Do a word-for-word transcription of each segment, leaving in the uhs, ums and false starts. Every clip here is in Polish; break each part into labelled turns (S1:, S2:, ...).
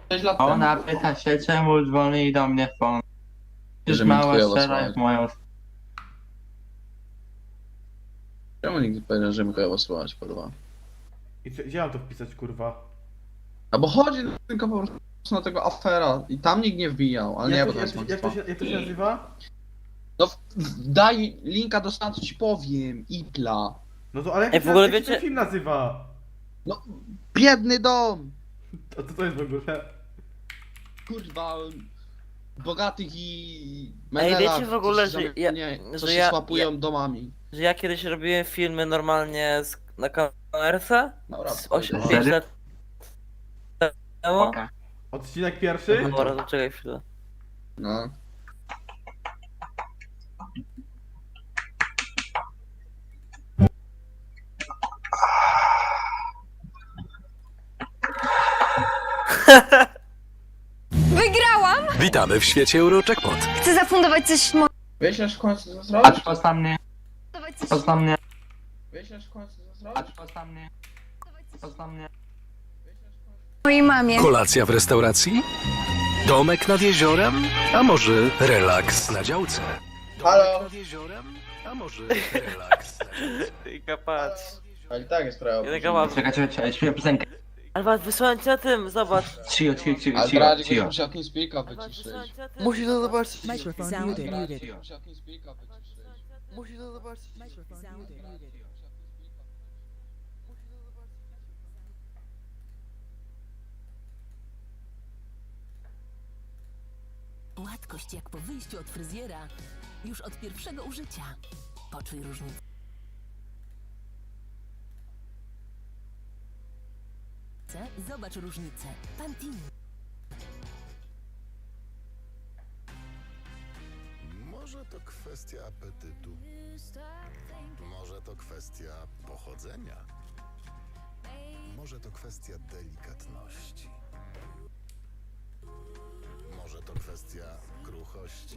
S1: sześć lat
S2: Ona
S1: temu.
S2: pyta się, czemu dzwoni do mnie phone. Już
S1: Że mnie
S2: mała
S1: chujowo
S2: strzela
S1: słychać.
S2: w moją...
S1: Czemu nikt nie powiedział, że mi chujowo słychać, kurwa?
S3: I co, gdzie mam to wpisać, kurwa?
S1: A bo chodzi tylko po prostu na tego afera i tam nikt nie wbijał, ale nie,
S3: Jak
S1: bo
S3: to,
S1: to
S3: jak,
S1: jest
S3: to, jak, to się, jak to się nazywa?
S1: No w- daj linka do stanu, ci powiem, Ipla.
S3: No to ale jak,
S4: Ej,
S3: to
S4: w
S3: się-
S4: ogóle
S3: jak się
S4: wiecie-
S3: ten film nazywa?
S1: No, biedny dom!
S3: To, to, to jest w ogóle...
S1: Kurwa, bogatych i...
S4: Ej, wiecie
S1: menelach,
S4: w ogóle,
S1: co się
S4: że ja-
S1: nie, co
S4: że
S1: się
S4: ja-
S1: słapują domami.
S4: Że ja kiedyś robiłem filmy normalnie z, na kamerce?
S1: Dobra,
S4: Z osiem
S1: spokojnie.
S4: pięć lat temu?
S2: Oka.
S3: Odcinek pierwszy?
S4: Dobra, to czekaj chwilę.
S1: No.
S5: Wygrałam!
S6: Witamy w świecie Eurojackpot.
S5: Chcę zafundować coś mo...
S1: Wyślesz w końcu co
S2: A
S1: zrobić?
S2: to na mnie,
S5: Zafundować coś...
S2: to na mnie,
S1: Wyślesz w końcu co
S2: a
S1: zrobić?
S2: to na mnie, to na mnie.
S5: mojej mamie.
S6: Kolacja w restauracji? Domek nad jeziorem? A może relaks na działce? Domek
S1: Halo?
S6: nad jeziorem? A może relaks na działce?
S4: Tylko patrz.
S1: Ale i tak jest prawo.
S4: Ja taka mam.
S2: Czekaj, czekaj, czekaj, śpieszę piosenkę.
S4: Alba wysłałem ci na tym, zobacz.
S2: Cio, cio, cio,
S1: Ale
S2: cio,
S1: Bradzik
S2: cio.
S1: musiał TeamSpeak'a
S4: Alba
S1: wyciszyć.
S4: wysłałem ci na tym.
S7: Musisz to zobaczyć.
S8: Microphone
S7: Sound
S8: muted.
S1: Bradzik musiał TeamSpeak'a wyciszyć.
S7: Musisz to zobaczyć.
S8: Gładkość jak po wyjściu od fryzjera. Już od pierwszego użycia. Poczuj różnicę. Zobacz różnicę. Pantene.
S9: Może to kwestia apetytu. Może to kwestia pochodzenia. Może to kwestia delikatności. Może to kwestia kruchości.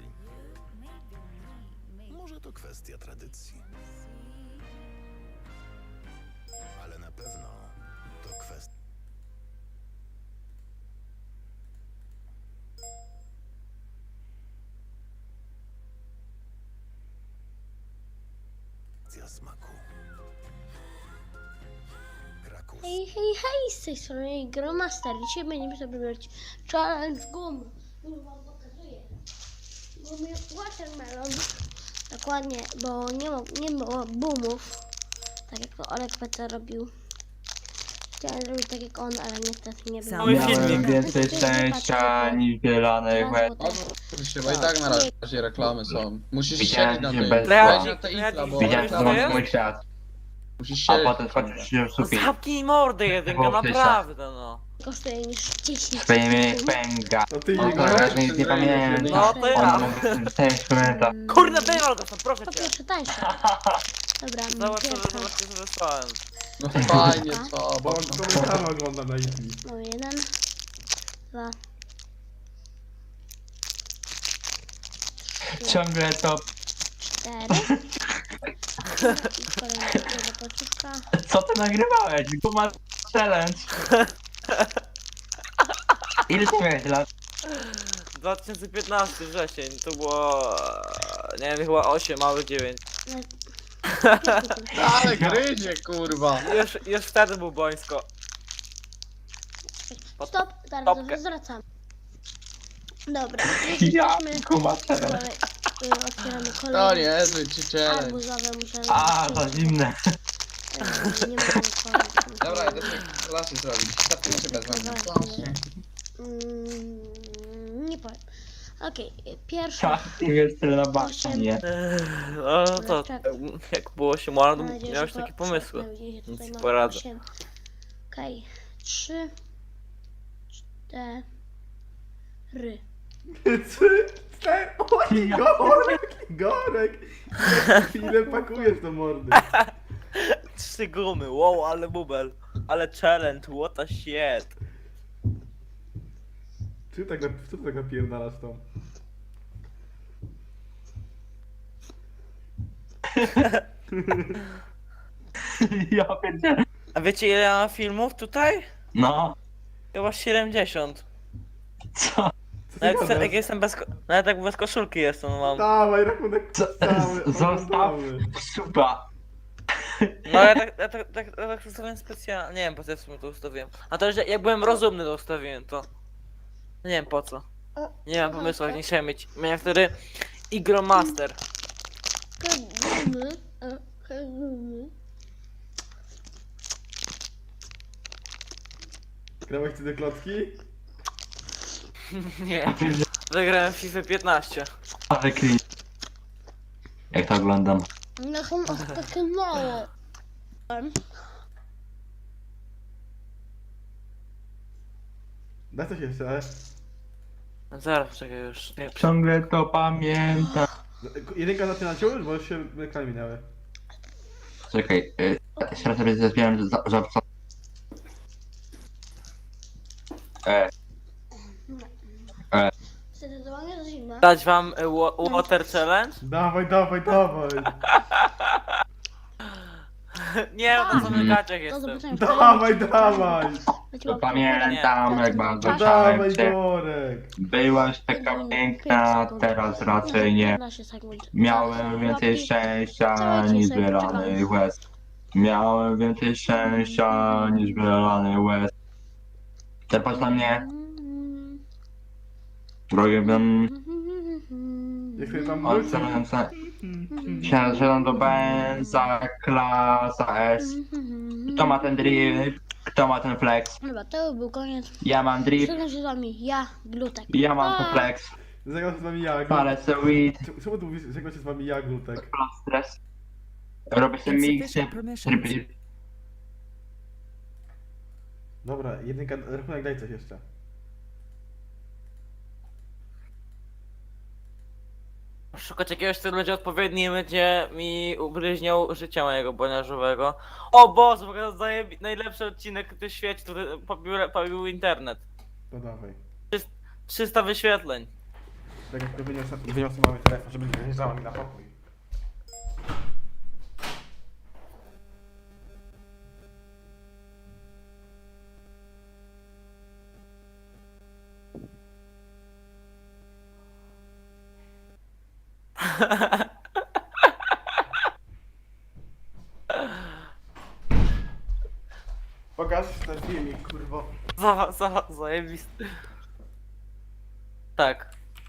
S9: Może to kwestia tradycji. Ale na pewno to kwestia. Kwestia smaku. Krakus.
S10: Hej, hej, hej, z tej strony Gromaster. Dzisiaj będziemy sobie robić challenge gum. Już wam pokazuję. Gumy watermelon. Dokładnie, bo nie, ma, nie było boomów. Tak jak to Olek P C robił. Chciałem zrobić tak jak on, ale niestety nie było.
S4: Cały filmik.
S2: Miałem więcej szczęścia niż zielonych łez.
S1: Oczywiście, bo i tak na razie reklamy są. Musisz
S2: Widziałem,
S1: siedzieć na
S2: że
S1: tej,
S2: bez-
S1: weź na te Ipla, bo
S2: Widziałem, że to
S1: reklamy-
S2: mam mój świat.
S1: musisz
S2: A
S1: siedzieć.
S2: potem skończyć się w
S4: No
S2: sufit.
S4: zamknij mordę jedynka,
S2: Było przecież.
S4: naprawdę no.
S10: Kosztuje niż dziesięć.
S2: Swoimi pęga.
S3: To ty
S2: On
S3: nie
S2: to
S3: grasz?
S2: raczej nic nie pamięta.
S4: No to ja.
S2: On mógł w tym instrumenta.
S4: Kurde, wyjmał to, proszę
S10: Po
S4: cię.
S10: pierwsze tańsze. Dobra,
S4: Zobacz co,
S10: pierwsza.
S4: zobacz co wysłałem.
S1: No fajnie, co?
S3: Bo on komentarz ogląda na Itli.
S10: No jeden, dwa,
S2: Ciągle to...
S10: cztery. I kolejna jedna końcówka.
S2: Co ty nagrywałeś? Guma challenge. Ile ty miałeś lat?
S4: dwa tysiące piętnasty wrzesień, to było... Nie wiem, chyba osiem, małych dziewięć.
S1: Ale gryzie, kurwa.
S4: Już, już wtedy był bońsko.
S10: Stop, teraz
S4: Stopkę.
S10: zwracam. Dobra,
S2: Ja,
S10: jesteśmy...
S2: guma challenge.
S10: Kolej, y, otwieramy
S1: To
S10: kolejne
S1: niezły ci challenge.
S10: arbuzowe, muszę...
S2: A, to zimne.
S10: Y, Nie mogę otworzyć.
S1: Dobra, idę sobie klasy zrobić. Startujmy się bez wami. Klasy.
S10: Mm, Nie powiem. Okej, okay, pierwsza.
S2: Czasem jest tyle na baśnie.
S4: No to, jak było się młodym,
S10: Mam nadzieję,
S4: miałeś
S10: że
S4: takie
S10: po-
S4: pomysły.
S10: mam nadzieję, że
S4: Nic
S10: tutaj
S4: ci
S10: mamy
S4: poradzę.
S10: osiem. Okej, trzy, cztery.
S3: Trzy, cztery, oj, Gorek, Gorek! Jak chwilę pakujesz do mordy.
S4: Trzy gumy, wow, ale bubel. Ale challenge, what a shit.
S3: Czy tak, nap- co ty tak napierdalasz tą?
S2: Ja pierdzielę.
S4: A wiecie ile ja mam filmów tutaj?
S2: No.
S4: Chyba siedemdziesiąt.
S2: Co?
S3: Co
S4: Nawet
S3: ty
S4: se-
S3: gadasz?
S4: jak jestem bez, ko- nawet jak bez koszulki jestem, no mam.
S3: Dawaj, rachunek
S2: Co-
S3: cały,
S2: Zostaw
S3: oglądamy.
S2: suba.
S4: No ja tak, ja tak, tak, ja tak ustawiłem specjalnie, nie wiem po co ja w sumie to ustawiłem. A to, że jak byłem rozumny to ustawiłem to. Nie wiem po co. Nie mam pomysłu, jak nie chciałem mieć. Miałem wtedy Igromaster.
S10: Kagumy, a kagumy.
S3: Grałeś ty do klocki?
S4: Nie. Zagrałem w FIFA piętnaście.
S2: Ale cringe. Jak to oglądam?
S10: No są takie małe.
S3: Daj coś jeszcze.
S4: Zaraz, czekaj już. Nie,
S2: Ciągle to pamiętam.
S3: Jedynka zaczyna cię już, bo już się ekrany minęły.
S2: Czekaj, y, jeszcze sobie zazbieram za, za, za... E,
S10: Zdecydowanie to zimne.
S4: Dać wam y, wa- Water Challenge?
S3: Dawaj, dawaj, dawaj.
S4: Nie, no to
S2: Mhm.
S4: w gaciach
S10: To
S4: jestem.
S10: zobaczymy.
S3: Dawaj, dawaj.
S2: to pamiętam jak bardzo
S3: Dawaj,
S2: chciałem cię.
S3: Dorek.
S2: Byłaś taka piękna, teraz raczej nie. Miałem więcej szczęścia niż wylanych łez. Miałem więcej szczęścia niż wylanych łez. Teraz na mnie, drogie bym...
S3: Jak sobie tam wrócił.
S2: Odstawiam se... Siadam do Benza, klasa S. Kto ma ten drift? Kto ma ten flex?
S10: Chyba to był koniec.
S2: Ja mam drift,
S10: Żegnam się z wami, ja, Glutek.
S2: ja mam ten flex.
S3: Zagrał się z wami ja,
S2: Palę
S3: Glutek.
S2: se weed,
S3: Czemu- Czemu tu mówisz, zagrał się z wami ja, Glutek?
S2: plus stres. Robię sobie miksy, tryby...
S3: Dobra, jedynka, rachunek daj coś jeszcze.
S4: Szukać jakiegoś, który będzie odpowiedni i będzie mi ugryźniał życia mojego boniarzowego. O Boże, w ogóle zajebi- najlepszy odcinek w świecie, który pobił, pobił internet.
S3: To dawaj.
S4: trzysta wyświetleń.
S3: Tak jak to wyniosę, wyniosę mamy telefon, żeby nie wyjeżdżała mi na pokój. Pokaż ten filmik, kurwo.
S4: Za, za, zajebisty. Tak.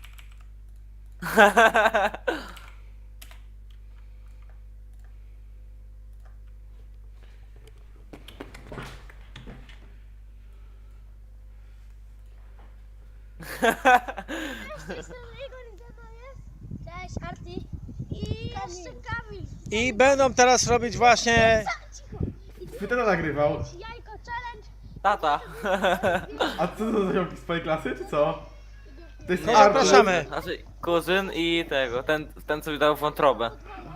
S10: Cześć, Arty. I jeszcze Kamil.
S11: I będą teraz robić właśnie...
S3: Ty to nagrywał.
S10: Jajko challenge.
S4: Tata.
S3: A co to za ziomki z twojej klasy, czy co? To jest
S11: No,
S3: Artur.
S11: zapraszamy.
S4: Znaczy, kuzyn i tego, ten, ten co mi dał wątrobę.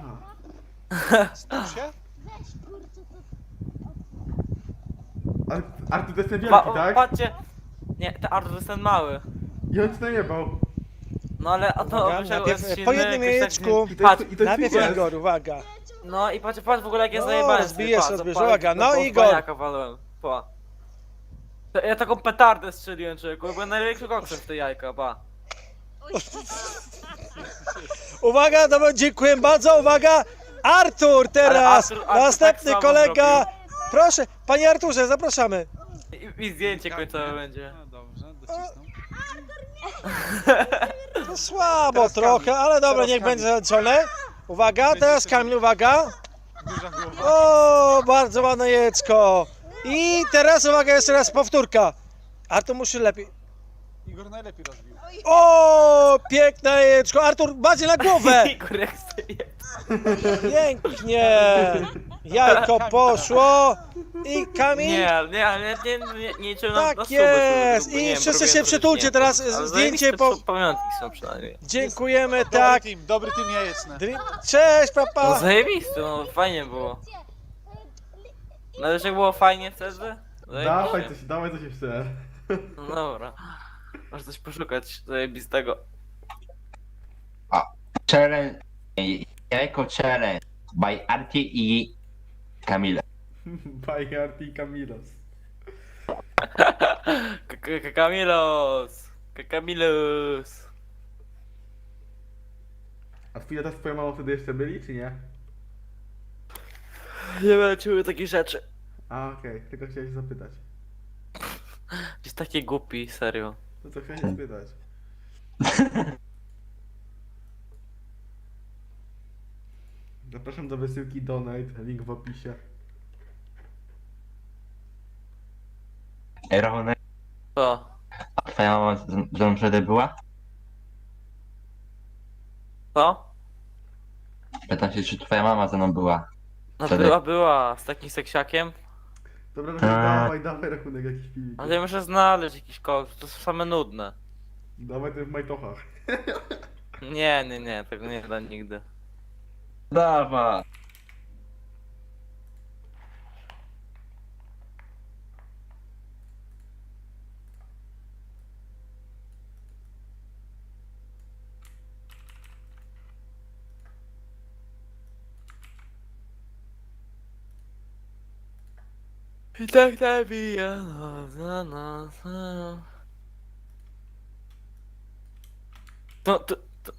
S11: Stop się?
S10: Weź kurczę to.
S3: Ale Artur to jest ten
S4: Pa,
S3: wielki, tak?
S4: Patrzcie. Nie, ten Artur jest ten mały.
S3: I on ci najebał.
S4: No ale a to
S11: Uwaga,
S4: musiał
S11: najpierw
S4: odcinek,
S11: po jednym
S4: jakoś
S11: jajeczku.
S4: tak-
S3: I to jest,
S4: Patrz,
S3: i to jest
S11: Najpierw
S3: pies.
S11: Igor, uwaga.
S4: no i patrz, patrz w ogóle jak jest
S11: No,
S4: zajebany.
S11: rozbijesz,
S4: patrz,
S11: rozbijesz,
S4: patrz,
S11: uwaga, no,
S4: patrz,
S11: Igor.
S4: paniaka walłem, pa. To Ja taką petardę strzeliłem, człowieku, byłem najlepszym koksem w te jajka, pa.
S11: Uwaga, dobra, dziękuję bardzo, uwaga. Artur teraz,
S4: Ale Artur- Artur
S11: następny
S4: tak samo
S11: kolega. Proszę, panie Arturze, zapraszamy.
S4: I, i zdjęcie końcowe będzie.
S11: To słabo trochę, ale dobra, niech będzie zaliczone. Uwaga, teraz Kamil, uwaga. O, bardzo ładne jecko. I teraz uwaga, jeszcze raz powtórka. Artur musi lepiej.
S7: Igor najlepiej rozbił.
S11: O, piękne jajeczko. Artur, bardziej na głowę.
S4: Igor jak sobie.
S11: Pięknie. Jajko poszło. I Kamil.
S4: Nie, nie, ale nie, nie, nie, nie liczyłem na,
S11: Tak
S4: na suby,
S11: jest.
S4: suby, bo
S11: I
S4: nie wiem,
S11: wszyscy
S4: robiłem
S11: się
S4: to,
S11: przytulcie
S4: nie,
S11: teraz,
S4: ale
S11: zdjęcie
S4: zajebiste
S11: po-
S4: są pamiątki są przynajmniej.
S11: Dziękujemy,
S7: Dobry
S11: tak.
S7: team, dobry team jajeczny.
S11: Dri- Cześć,
S4: No
S11: papa.
S4: zajebiste, no fajnie było. No ale że było fajnie wtedy?
S3: Dawaj
S4: Zajebiście.
S3: coś, dawaj coś jeszcze.
S4: No dobra. Może coś poszukać zajebistego.
S2: Challenge... Jajko challenge by Arti i Kamila.
S3: Bajka Arti i Kamilos.
S4: K- K- Kamilos! Kamilus.
S3: A twój tata z twoją mamą wtedy jeszcze byli, czy nie?
S4: Nie będę takich rzeczy.
S3: A okej, tylko chciałem się zapytać.
S4: Jest taki głupi, serio.
S3: No co chciałem się spytać. Zapraszam do wysyłki Donate, link w opisie.
S2: Ej, Rachonek,
S4: Co?
S2: a twoja mama z z mną wtedy była?
S4: Co?
S2: Pytam się, czy twoja mama ze mną była?
S4: No
S2: Wtedy.
S4: była, była, z takim seksiakiem.
S3: Dobra, no
S2: A.
S3: dawaj, dawaj rachunek jakiś filmik.
S4: Ale ja muszę znaleźć jakiś kogoś, to są same nudne.
S3: Dawaj ten w majtochach.
S4: Nie, nie, nie, tego nie da nigdy.
S2: Dawa!
S4: I tak nabija nos na nos. To, to, to...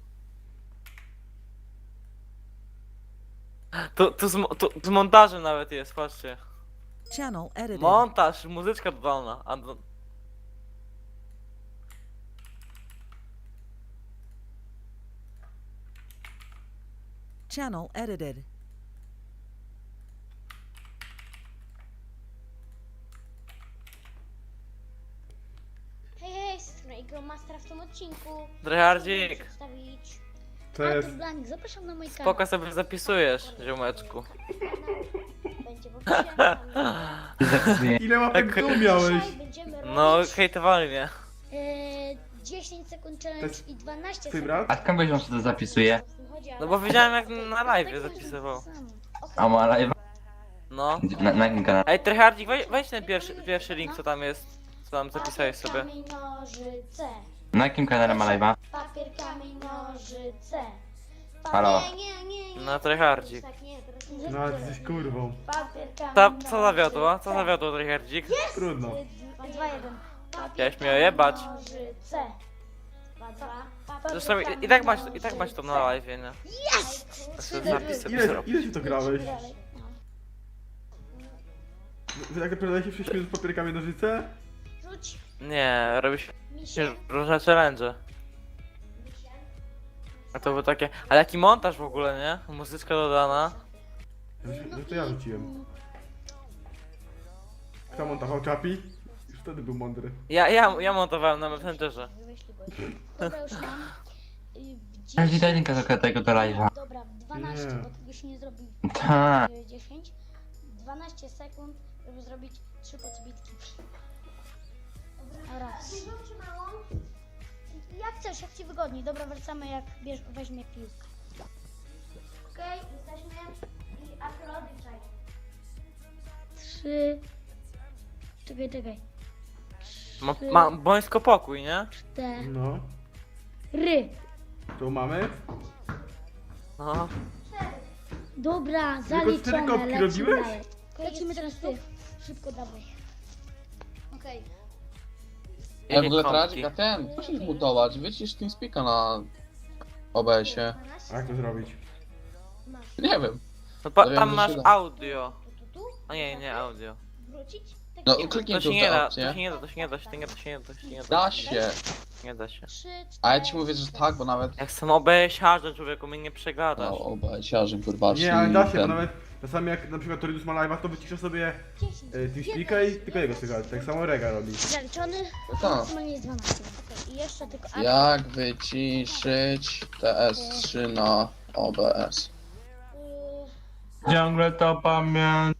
S4: To, to, z, mo- to z montażem nawet jest, patrzcie.
S8: Channel edited.
S4: Montaż, muzyczka dodana. A do...
S8: Channel edited.
S10: Hej, hej, z strony Gromastera w tym odcinku.
S4: Dryhardzik,
S10: Przedstawić
S3: To jest...
S10: Artur Blanik, zapraszam na mój kanał.
S4: spoko sobie zapisujesz, ziomeczku.
S10: Będzie w opisie.
S3: Ile łapek
S4: Tak.
S3: tu miałeś?
S10: Dzisiaj będziemy
S4: No,
S10: robić
S4: hejtowali mnie.
S10: e, dziesięć sekund challenge
S3: To jest
S10: i dwanaście
S3: Twój
S10: sekund.
S3: brat?
S2: A skąd wiesz, on się to zapisuje?
S4: No bo widziałem jak na live zapisywał.
S2: A ma live?
S4: No.
S2: Na, na jakim kanale?
S4: Ej, Tryhardzik, weź, weź ten pierwszy, pierwszy link, co tam jest. Co tam zapisałeś sobie.
S10: Kamień, nożyce.
S2: Na jakim kanale ma live'a?
S10: Papier, kamień, nożyce.
S2: Halo.
S10: Nie, nie, nie, nie.
S4: No, Tryhardzik.
S10: Tak, nie, teraz nie.
S3: No, ale ty jesteś kurwą.
S10: Papier, kamień,
S4: Co, co zawiodło? Co
S10: nożyce.
S4: zawiodło, Tryhardzik?
S3: Trudno.
S10: dwa jeden.
S4: Chciałeś mnie ojebać.
S10: Nożyce. dwa dwa. Papier,
S4: Zresztą i,
S10: kamień,
S4: i tak masz, i tak
S10: nożyce.
S4: masz to na live, nie?
S10: Jest!
S4: Ja sobie zapis sobie
S3: Ile,
S4: zrobię.
S3: ile się to grałeś?
S10: Dalej. No.
S3: Wy tak naprawdę się sześć minut z papierkami nożyce?
S10: Rzuć
S4: Nie, robi się
S10: mi się.
S4: różne challenge. A to było takie... Ale jaki montaż w ogóle, nie? Muzyczka dodana.
S3: No to ja rzuciłem. Kto montował Czapi? Już wtedy był mądry.
S4: Ja, ja, ja montowałem na Messengerze.
S10: Wyślij go. Dobra, już mam. Y, w
S2: Daj
S10: dziesięć-
S2: linka do tego do live'a.
S10: Dobra, w dwanaście,
S3: Nie.
S10: bo tego się nie zrobi
S2: Tak.
S10: w dziesięć. dwanaście sekund, żeby zrobić trzy podbitki. Raz. Jak chcesz, jak ci wygodniej. Dobra, wracamy jak bierz, weźmie piłkę. Okej, jesteśmy i akrodiczaj. Trzy. Czekaj, czekaj.
S4: Ma, ma bońsko pokój, nie?
S10: Cztery.
S3: No. Tu mamy.
S4: No.
S10: Dobra,
S3: Tylko cztery
S10: zaliczone,
S3: kopki
S10: lecimy
S3: robiłeś?
S10: dalej. Lecimy teraz ty. Szybko dawaj. Okej.
S1: Ja w ogóle
S4: Kąpki.
S1: Tradzik, a ten, musisz mutować, wycisz TeamSpeaka na O B S-ie.
S3: A jak to zrobić?
S10: Masz.
S1: Nie wiem.
S4: No pa,
S1: To
S4: tam
S1: wiem,
S4: masz
S1: że się da.
S4: audio.
S10: Tu, tu, tu.
S4: A nie, nie audio.
S10: Wrócić? Tak
S1: No
S10: nie.
S1: kliknij
S4: To
S1: tu
S4: się nie
S1: tę
S4: da, to
S1: opcję.
S4: się nie da, to się nie da, to się nie da, to się nie da, to się nie da.
S1: Da się.
S4: Nie da się.
S10: Trzy,
S1: A ja
S10: cztery,
S1: ci mówię, że tak, bo nawet...
S4: Jak chcę obejść człowieku, mnie nie przegadasz.
S1: No, O B S-iarzy, kurwa,
S3: Nie, ale da się, bo
S1: ten...
S3: nawet czasami jak na przykład Toridus ma live'a, to wycisza sobie
S10: dziesięć.
S3: y, TeamSpeaka i tylko jego słychać. Tak samo Rega robi.
S10: Zaliczony?
S1: Tak.
S10: Maksymalnie jest dwanaście. Okej, i jeszcze tylko... a-
S1: Jak wyciszyć T S trzy na O B S?
S10: y,
S2: Ciągle to pamiętam.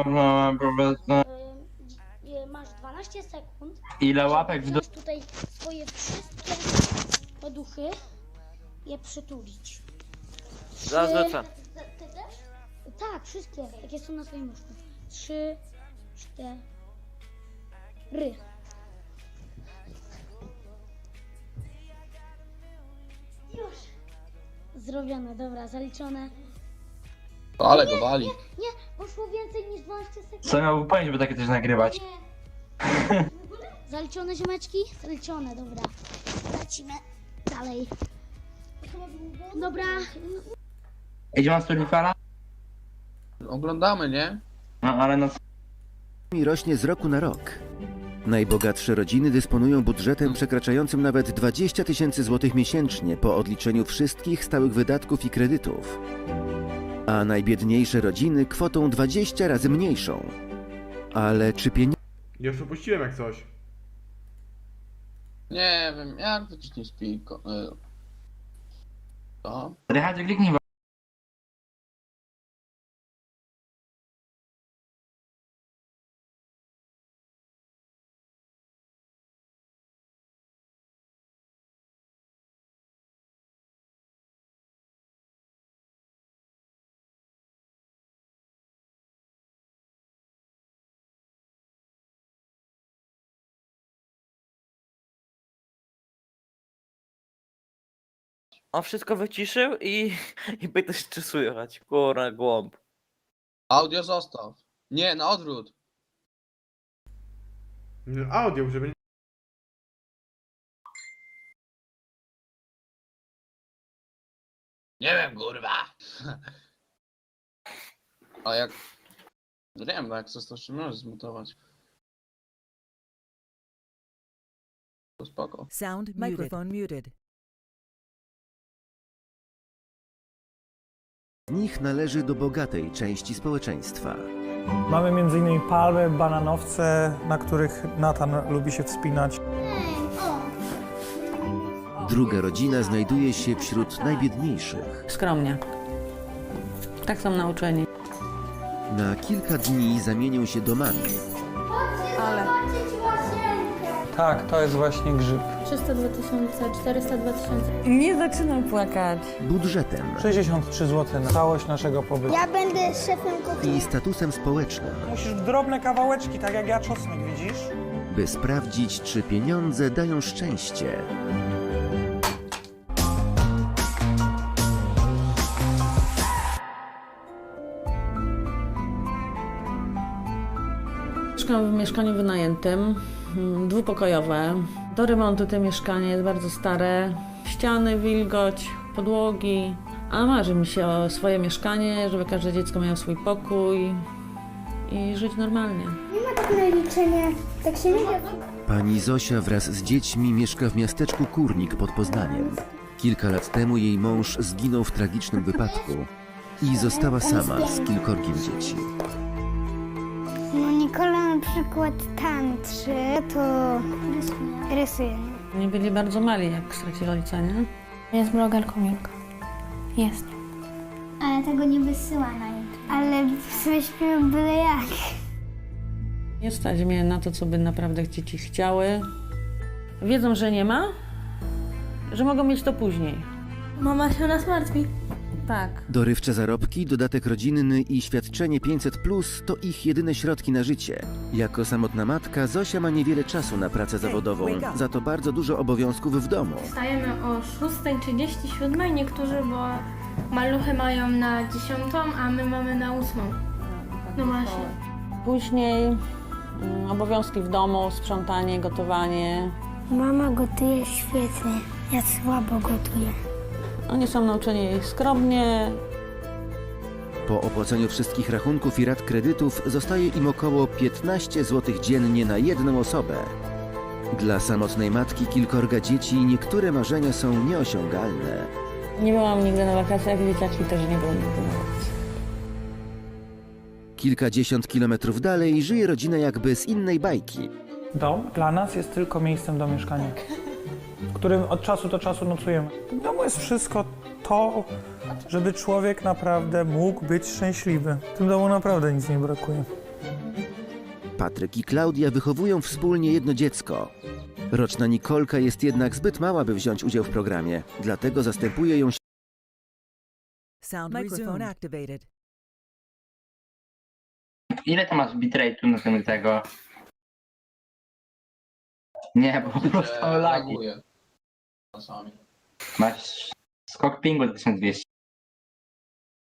S10: y, y, Masz dwanaście sekund.
S2: Ile łapek w dół?
S10: Wziąć tutaj swoje wszystkie poduchy i je przytulić.
S4: Zaraz
S10: Trzy-
S4: lecę.
S10: Ty ty też? Tak, wszystkie. Takie są na swoim łóżku. Trzy, cztery. Już. Zrobione, dobra, zaliczone.
S1: Ale go wali.
S10: Nie, poszło więcej niż dwanaście sekund.
S2: Co miałby powiedzieć, by takie coś nagrywać?
S10: Nie. W ogóle? Zaliczone ziomeczki? Zaliczone, dobra. Lecimy dalej. Dobra.
S2: Idzie mam Storifala?
S1: Oglądamy, nie?
S2: No ale no
S12: I rośnie z roku na rok. Najbogatsze rodziny dysponują budżetem przekraczającym nawet dwadzieścia tysięcy złotych miesięcznie po odliczeniu wszystkich stałych wydatków i kredytów. A najbiedniejsze rodziny kwotą dwadzieścia razy mniejszą. Ale czy pieniądze
S3: Już upuściłem jak coś.
S1: Nie wiem, jak wyciśnij spiko. y, To?
S2: Rychard, kliknij.
S4: On wszystko wyciszył i, i pytasz, czy słychać. Kurna, głąb.
S1: Audio zostaw. Nie, na odwrót.
S3: Audio, żeby...
S1: Nie wiem, kurwa. A jak... Nie wiem, jak chcesz to jeszcze możesz zmutować. To spoko.
S8: Sound microphone muted.
S12: z nich należy do bogatej części społeczeństwa.
S11: Mamy między innymi palmy, bananowce, na których Natan lubi się wspinać.
S12: Druga rodzina znajduje się wśród najbiedniejszych.
S8: Skromnie. Tak są nauczeni.
S12: Na kilka dni zamienią się domami.
S11: Tak, to jest właśnie grzyb.
S10: trzysta dwa tysiące, czterysta dwa tysiące.
S8: Nie zaczynam płakać.
S12: Budżetem
S11: sześćdziesiąt trzy złote na całość naszego pobytu.
S10: Ja będę szefem kuchni.
S12: i statusem społecznym,
S11: Musisz w drobne kawałeczki, tak jak ja czosnek, widzisz?
S12: by sprawdzić, czy pieniądze dają szczęście.
S8: Mieszkam w mieszkaniu wynajętym, mm, dwupokojowe. Do remontu to mieszkanie jest bardzo stare. Ściany, wilgoć, podłogi. A marzy mi się o swoje mieszkanie, żeby każde dziecko miało swój pokój i żyć normalnie.
S10: Nie ma tak na liczenie, tak się nie da.
S12: Pani Zosia wraz z dziećmi mieszka w miasteczku Kurnik pod Poznaniem. Kilka lat temu jej mąż zginął w tragicznym wypadku i została sama z kilkorgiem dzieci.
S10: No Nikola na przykład tantrzy, to rysuje.
S8: Oni byli bardzo mali, jak stracili ojca, nie?
S10: Jest blogerką Milka. Jest. Ale tego nie wysyła na YouTube. Ale wyśpią byle jak.
S8: Nie stać mnie na to, co by naprawdę dzieci chciały. Wiedzą, że nie ma, że mogą mieć to później.
S10: Mama się nas martwi.
S8: Tak.
S12: Dorywcze zarobki, dodatek rodzinny i świadczenie pięćset plus to ich jedyne środki na życie. Jako samotna matka Zosia ma niewiele czasu na pracę zawodową, za to bardzo dużo obowiązków w domu.
S10: Wstajemy o szósta trzydzieści siedem, niektórzy, bo maluchy mają na dziesiątą, a my mamy na ósmą. No właśnie.
S8: Później mm, obowiązki w domu, sprzątanie, gotowanie.
S10: Mama gotuje świetnie, ja słabo gotuję.
S8: Oni są nauczeni skromnie.
S12: Po opłaceniu wszystkich rachunków i rat kredytów zostaje im około piętnaście złotych dziennie na jedną osobę. Dla samotnej matki kilkorga dzieci niektóre marzenia są nieosiągalne.
S8: Nie byłam nigdy na wakacjach, dzieciaki też nie były nigdy na wakacjach.
S12: Kilkadziesiąt kilometrów dalej żyje rodzina jakby z innej bajki.
S11: Dom dla nas jest tylko miejscem do mieszkania, w którym od czasu do czasu nocujemy. W domu jest wszystko to, żeby człowiek naprawdę mógł być szczęśliwy. W tym domu naprawdę nic nie brakuje.
S12: Patryk i Klaudia wychowują wspólnie jedno dziecko. Roczna Nikolka jest jednak zbyt mała, by wziąć udział w programie, dlatego zastępuje ją
S8: Sound microphone activated.
S2: Ile to masz bitrate'u na tym tego? Nie, bo po prostu
S1: Że
S2: lagi.
S1: laguje. Czasami.
S2: Masz skok pingu tysiąc dwieście.